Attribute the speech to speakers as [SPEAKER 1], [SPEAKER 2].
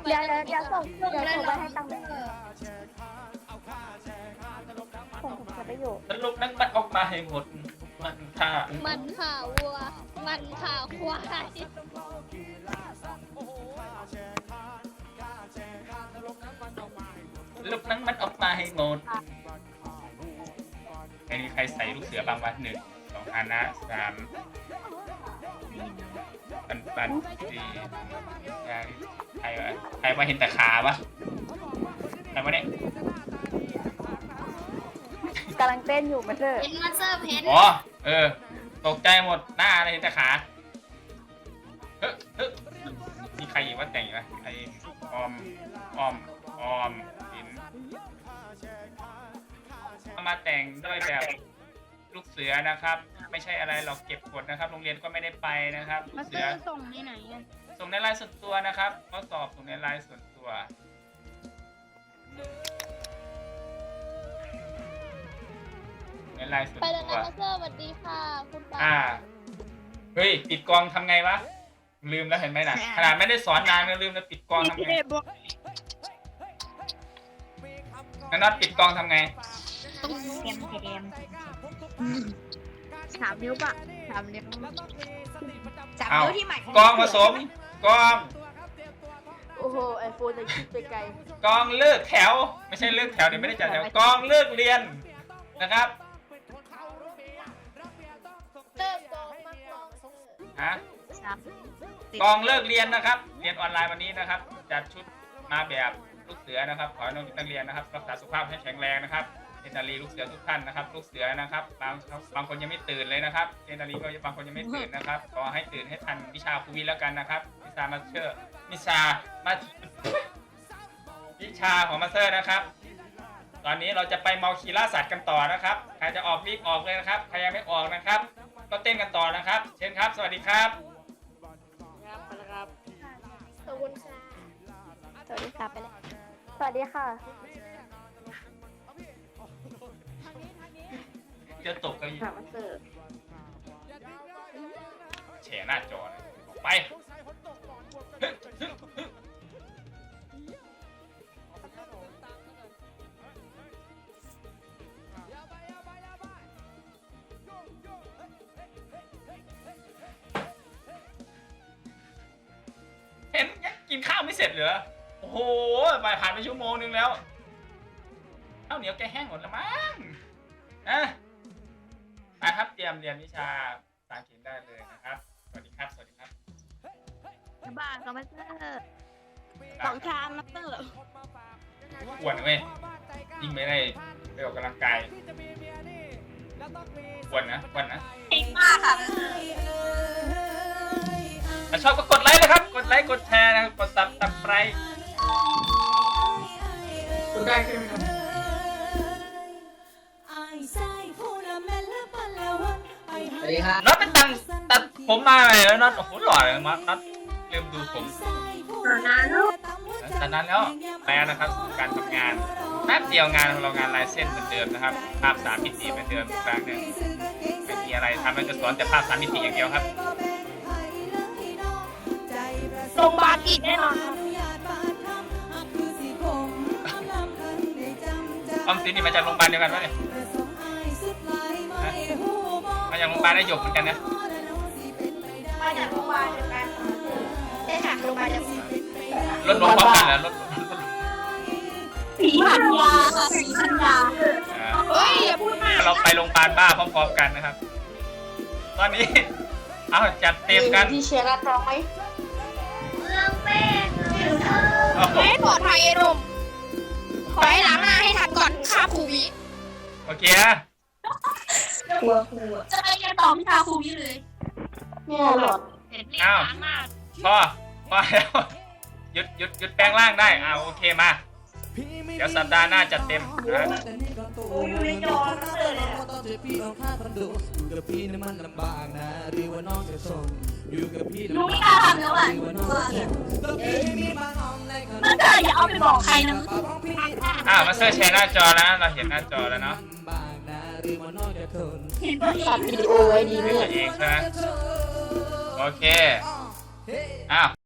[SPEAKER 1] อย่าส่งไปให้ตังค์ผมจะไปอยู่
[SPEAKER 2] สรุปนั้นมันออกมาให้หมดมันฆ่า
[SPEAKER 3] วัวมันข่าควาย
[SPEAKER 2] ลูกนั้นมันออกมาให้หมดใครใส่ลูกเสือบางวัน1 2อานะ3ปัน4ใครว่าเห็นแต่ขาวะใครวะเนี่ย
[SPEAKER 1] กำลังเต้นอยู่มาเถอะ
[SPEAKER 3] เห็นมาเซอร์เพน
[SPEAKER 2] อ๋อตกใจหมดหน้าอะไรเห็นแต่ขามีใครอีกว่าแต่งวะใครออมสินมาแต่งด้วยแบบลูกเสือนะครับไม่ใช่อะไรหรอกเก็บกดนะครับโรงเรียนก็ไม่ได้ไปนะครับ
[SPEAKER 3] มาเซอร์ส่งในไหน
[SPEAKER 2] ส่งในไลน์ส่วนตัวนะครับข้อสอบส่งในไลน์ส่วนตัวในไลน์ส่วนตัวไปแล้วนะ
[SPEAKER 3] มาเซอร์สวัสดีค่ะคุณป้า
[SPEAKER 2] เฮ้ยปิดกองทำไงวะลืมแล้วเห็นไหมนะขนาดไม่ได้สอนนานก็ลืมแล้วปิดกองทำไงนัดปิดกองทำไง
[SPEAKER 3] เกม3 นิ้วปะ3 นิ้ว3 นิ้วที่ใหม่
[SPEAKER 2] กองผสมกอง
[SPEAKER 1] โอ้โหไอโฟนจะคิดไปไกล
[SPEAKER 2] กองเลิกแถวไม่ใช่เลิกแถวเดี๋ยวไม่ได้จัดแถวกองเลิกเรียนนะครับกองเลิกเรียนนะครับเรียนออนไลน์วันนี้นะครับจัดชุดมาแบบลูกเสือนะครับขอให้นักเรียนนะครับรักษาสุขภาพให้แข็งแรงนะครับเจนารีลูกเสือทุกท่านนะครับลูกเสือนะครับบางคนยังไม่ตื่นเลยนะครับเจนารีก็บางคนยังไม่ตื่นนะครับขอให้ตื่นให้ทันวิชาครูวิแล้วกันนะครับวิชามาสเตอร์วิชาของมาสเตอร์นะครับตอนนี้เราจะไปเมาคีล่าสัตว์กันต่อนะครับใครจะออกรีบออกเลยนะครับใครยังไม่ออกนะครับก็เต้นกันต่อนะครับเชิญครับสวัสดีครับ
[SPEAKER 1] ขอบคุณค่ะสวัสดีค่ะไปเลยสวัสดีค่ะ
[SPEAKER 2] จะตกกันอีกแฉหน้าจอไปเห็นกินข้าวไม่เสร็จเหรอโอ้โหผ่านไป1 ชั่วโมงแล้วข้าวเหนียวแกแห้งหมดแล้วมั้งครับเตรียมเรียนวิชาภาษาอังกฤษได้เลยนะครับสวัสดีครับ
[SPEAKER 3] บ้านก็มาเซอร์2 ชามมาเซอร์
[SPEAKER 2] อ้วนเว้ยยิ่งไม่ได้ไปออกกำลังกายอ้วนนะ
[SPEAKER 3] เก่งมากค่ะ
[SPEAKER 2] ถ้าชอบก็กดไลค์นะครับกดไลค์กดแชร์นะครับกดซับสไครบ์กดได้ใช่ไหมครับ
[SPEAKER 4] สวัสดีครับ
[SPEAKER 2] น็อตเป็นตัดผมมาใหม่แล้วน็อตโอ้โหหล่อเลยน็อตลืมดูผม
[SPEAKER 3] นานแล้ว
[SPEAKER 2] แปลนะครับการทำงานแป๊บเดียวงานของเรางานลายเส้นเหมือนเดิมนะครับภาพ3 มิติเหมือนเดิมครั้งหนึ่งไม่มีอะไรทำมันจะสอนแต่ภาพ3 มิติอย่างเดียวครับ
[SPEAKER 3] โรงพยาบาลอีกแน่นอน
[SPEAKER 2] ออมสินนี่มาจากโรงพยาบาลเดียวกันปะเนี่ยมาจากโรงพยาบาลได้หยกเหมือนกันนะ
[SPEAKER 3] มาจากโรงพยาบาลเดียวกันใช่ค่ะโรงพยาบาลเดียวกัน
[SPEAKER 2] รถลงพร้อมกันแล้วรถ
[SPEAKER 3] สีพันยาเฮ้ยอย่าพูดมาก
[SPEAKER 2] เราไปโรงพยาบาลบ้าพร้อมๆกันนะครับตอนนี้เอาจัดเต็มกัน
[SPEAKER 1] ที่เชียร์รัดร้องไหม
[SPEAKER 3] ไม่ปลอดภัยรุ่มขอให้ล้างหน้าให้ทันก่อนค่าครูวิ
[SPEAKER 2] โอเค
[SPEAKER 3] จะไปเรียนต่อวิชาครูวิเลย
[SPEAKER 1] เนี่ยหรอ
[SPEAKER 2] อ้าวพอแล้วหยุดแปลงร่างได้โอเคมาเดี๋ยวสัปดาห์หน้าจัดเต็มนะ
[SPEAKER 3] อยู่ในจอเลยลูกไม่กล้าทำแล้วอ่ะมันเกิดอย่าเอาไปบอกใครนะ
[SPEAKER 2] มาเซอร์แชร์หน้าจอแล้วเราเห็นหน้าจอแล้วเนาะ
[SPEAKER 1] ตัดวิดีโอไว้ดีเนี่ย
[SPEAKER 2] เองใช่ไหมโอเคอ้าว